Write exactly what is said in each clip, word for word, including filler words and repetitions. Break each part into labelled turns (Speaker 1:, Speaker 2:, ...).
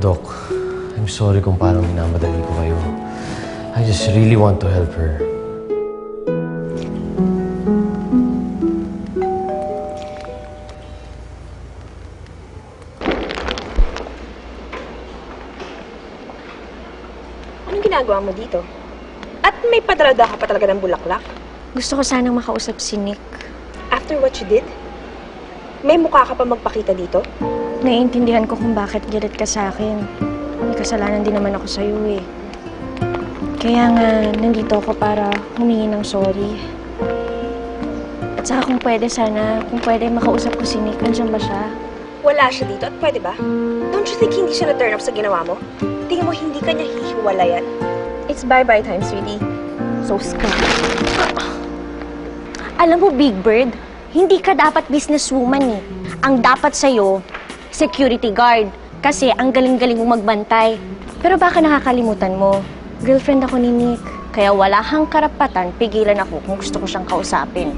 Speaker 1: Doc, I'm sorry kung parang minamadali ko kayo. I just really want to help her.
Speaker 2: Anong ginagawa mo dito? At may padrada ka pa talaga ng bulaklak?
Speaker 3: Gusto ko sanang makausap si Nick.
Speaker 2: After what you did? May mukha ka pa magpakita dito?
Speaker 3: Naiintindihan ko kung bakit galit ka sa akin. May kasalanan din naman ako sa'yo eh. Kaya nga, nandito ako para humingi ng sorry. At saka kung pwede sana, kung pwede makausap ko si Nick, nandiyan ba siya?
Speaker 2: Wala siya dito at pwede ba? Don't you think hindi siya na-turn up sa ginawa mo? Tingin mo hindi ka niya hihiwalayan? It's bye-bye time, sweetie. So scum.
Speaker 3: Alam mo, Big Bird, hindi ka dapat businesswoman eh. Ang dapat sa'yo, security guard. Kasi ang galing-galing mong magbantay. Pero baka nakakalimutan mo, girlfriend ako ni Nick. Kaya wala kang karapatan, pigilan ako kung gusto ko siyang kausapin.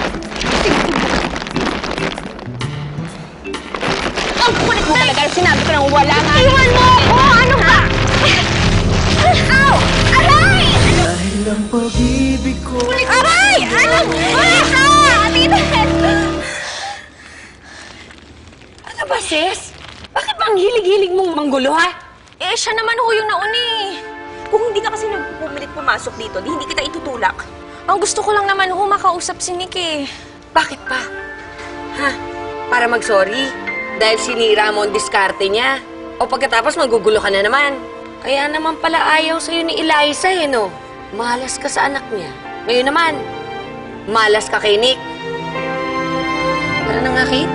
Speaker 2: Ang kulit mo talaga! Sinabi ko nang wala nga!
Speaker 3: Iwan mo ako! Ano ba? Ow! Aray!
Speaker 1: Dahil ang pag-ibig ko...
Speaker 3: Aray! Ano? Wala ka! Atinan!
Speaker 4: Ano ba, sis? Bakit bang hilig-hilig mong manggulo, ha?
Speaker 3: Eh, siya naman ho yung nauna eh.
Speaker 2: Kung hindi ka kasi nagpupumilit pumasok dito, di hindi kita itutulak.
Speaker 3: Ang gusto ko lang naman ho makausap si Nick eh.
Speaker 4: Bakit pa? Ha? Para mag-sorry? Dahil sinira mo ang diskarte niya? O pagkatapos magugulo ka na naman? Kaya naman pala ayaw sa'yo ni Eliza, eh, no? Malas ka sa anak niya. Ngayon naman, malas ka kay Nick. Tara na nga, Kate.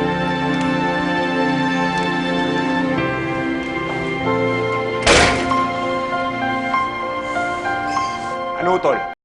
Speaker 5: Ano, tol?